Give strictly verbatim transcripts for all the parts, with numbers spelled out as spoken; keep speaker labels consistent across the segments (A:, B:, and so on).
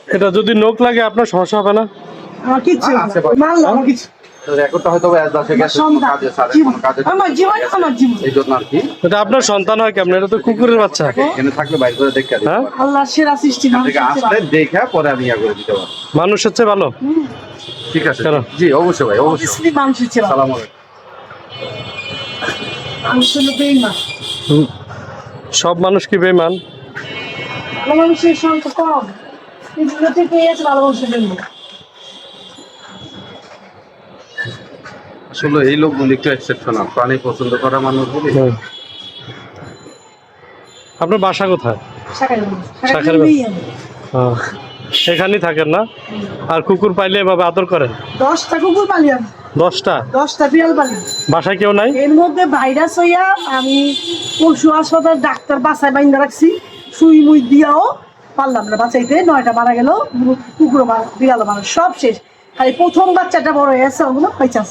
A: এটা যদি নখ লাগে আপনার সমস্যা হবে না?
B: আমার কিচ্ছু
C: আছে
B: হবে না। মারলাম, আমার কিছু
C: রেকর্ডটা হয়তো এজ আছে গেছে
B: সন্তান,
C: কাজে স্যার
B: জীবন,
C: কাজে
B: আমার জীবন আমার জীবন।
C: এই জন্য আর কি
A: এটা আপনার সন্তান হয় কেমন? এটা তো কুকুরের বাচ্চা।
C: এখানে থাকলে বাইরে করে দেখে দিতে
A: হ্যাঁ?
C: পারবো।
B: আল্লাহর সেরা সৃষ্টি
C: এখান
B: মানুষ
C: থেকে আসলে দেখে পরে আমি ইয়া করে দিতে পারবো।
A: মানুষের চেয়ে ভালো।
C: ঠিক আছে
A: কেন?
C: জি অবশ্যই ভাই অবশ্যই।
B: অবশ্যই মানুষের ছিল
C: সালাম আলাইকুম।
B: মানুষ হলো বেঈমান।
A: হুম। সব মানুষ কি বেঈমান?
B: ভালো মানুষের সংখ্যা কম, এগুলো থেকে আছে ভালো মানুষের জন্য।
C: আসলে এই লোকগুলি একটু এক্সেপশনাল, প্রাণী পছন্দ করা মানুষগুলি।
A: হুম। আপনার বাসা কোথায়?
B: শাখায় মানুষ,
A: শাখায়
B: শাখায়
A: মানুষ।
B: বেঈমান।
A: হ্যাঁ। এখানেই থাকেন না? আর কুকুর পাইলে এভাবে আদর করেন?
B: দশটা কুকুর পালি আমি,
A: দশটা?
B: দশটা বিড়াল পালি।
A: বাসায় কেউ নাই?
B: এর মধ্যে ভাইরাস হইয়া আমি পশু হাসপাতাল ডাক্তার বাসায় বাইন্দা রাখছি, সুই মুই দিয়াও পারলাম না বাঁচাইতে, নয়টা মারা গেল, কুকুরও মারা, বিড়ালও মারা, সব শেষ। খালি প্রথম বাচ্চাটা বড় হয়ে আছে, ওগুলো পাইচাস।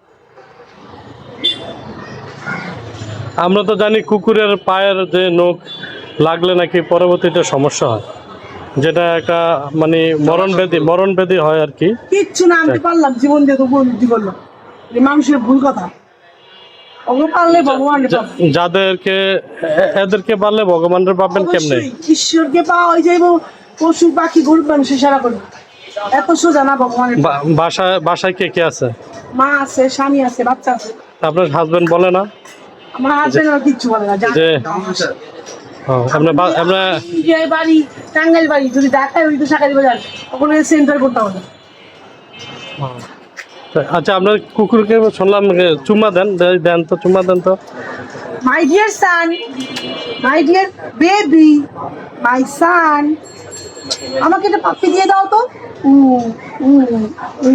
A: আমরা তো জানি কুকুরের পায়ের যে নখ লাগলে নাকি পরবর্তীতে সমস্যা হয়, যেটা একটা মানে মরণ ব্যাধি মরণ ব্যাধি হয় আর কি।
B: কিচ্ছু না, আমি পারলাম জীবন দিয়ে তবু উন্নতি করলাম। এই মানুষের ভুল কথা, ওগুলো পারলে ভগবান
A: যা- যাদেরকে এ- এদেরকে পারলে ভগবানের পাবেন কেমনে?
B: ঈশ্বরকে পাওয়া হয়ে যাইব, পশু পাখি গরিব মানুষের সেরা করবে, এত সোজা না ভগবানের।
A: বা- বাসায় বাসায় কে কে আছে?
B: মা আছে, স্বামী আছে, বাচ্চা আছে।
A: আপনার হাজবেন্ড বলে না
B: আমার হাজবেন্ড আমার কিচ্ছু বলে না, যা
A: যে ও, আপনার বা- আপনার
B: ইন্ডিয়ায় বাড়ি, টাঙ্গাইল বাড়ি, যদি ঢাকায় ওই তো শাকারি বাজার, ওখানে সেন্টার করতে হবে।
A: আচ্ছা, আপনার কুকুরকে শুনলাম যে চুম্মা দেন, দে- দেন তো, চুম্মা দেন তো।
B: My dear son, my dear baby, my son, আমাকে একটা পাপ্পি দিয়ে দাও তো। উ উ উ,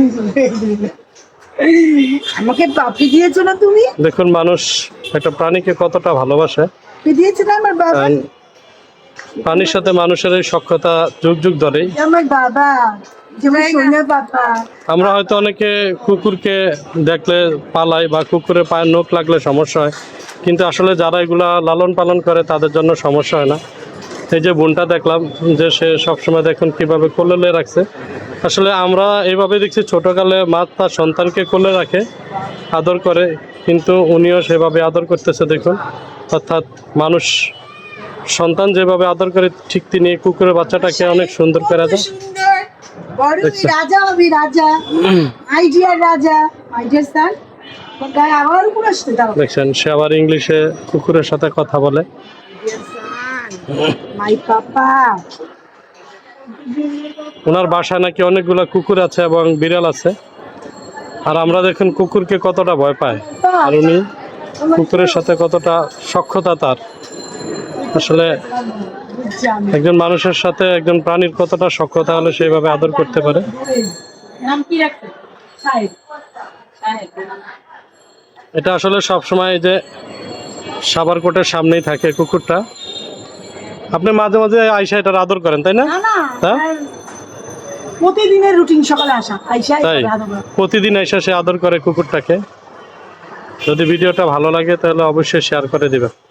B: আমাকে পাপ্পি দিয়েছো না তুমি?
A: দেখুন মানুষ একটা প্রাণীকে কতটা ভালোবাসে।
B: পাপ্পি দিয়েছে না আমার বাবা?
A: কারণ প্রাণীর সাথে মানুষের এই সখ্যতা যুগ যুগ ধরেই।
B: আমার বাবা, যেমন সোনা বাবা।
A: আমরা হয়তো অনেকে কুকুরকে দেখলে পালাই বা কুকুরের পায়ের নখ লাগলে সমস্যা হয়, কিন্তু আসলে যারা এগুলা লালন পালন করে তাদের জন্য সমস্যা হয় না। এই যে বোনটা দেখলাম যে সে সবসময় দেখুন কিভাবে কোলে রাখছে। আসলে আমরা এইভাবে দেখছি ছোটকালে মা তার সন্তানকে কোলে রাখে, আদর করে, কিন্তু উনিও সেভাবে আদর করতেছে দেখুন। অর্থাৎ মানুষ সন্তান যেভাবে আদর করে ঠিক তিনি এই কুকুরের বাচ্চাটাকে অনেক সুন্দর করে আদর।
B: সুন্দর, বড়
A: দেখছো?
B: রাজা হবে, রাজা, মাই ডিয়ার রাজা, মাই ডিয়ার সান। গায়ে আবার উপর আসতে দাও।
A: দেখছেন সে আবার ইংলিশে কুকুরের সাথে কথা বলে।
B: মাই পাপা।
A: ওনার বাসায় নাকি অনেকগুলো কুকুর আছে এবং বিড়াল আছে, আর আমরা দেখুন কুকুরকে কতটা ভয় পায়, আর উনি কুকুরের সাথে কতটা সখ্যতা তার। আসলে একজন মানুষের সাথে একজন প্রাণীর কতটা সখ্যতা হলে সেইভাবে আদর করতে পারে।
B: নাম কি রাখছে? সাহেব। সাহেব।
A: এটা আসলে সব সময় যে সাবারকোটের সামনেই থাকে কুকুরটা। আপনি মাঝে মাঝে আইসা এটার আদর করেন তাই না?
B: না না,
A: হ্যাঁ?
B: প্রতিদিনের রুটিন সকালে আসা, আইসা
A: তাই প্রতিদিন আইসা সে আদর করে কুকুরটাকে। যদি ভিডিওটা ভালো লাগে তাহলে অবশ্যই শেয়ার করে দিবেন।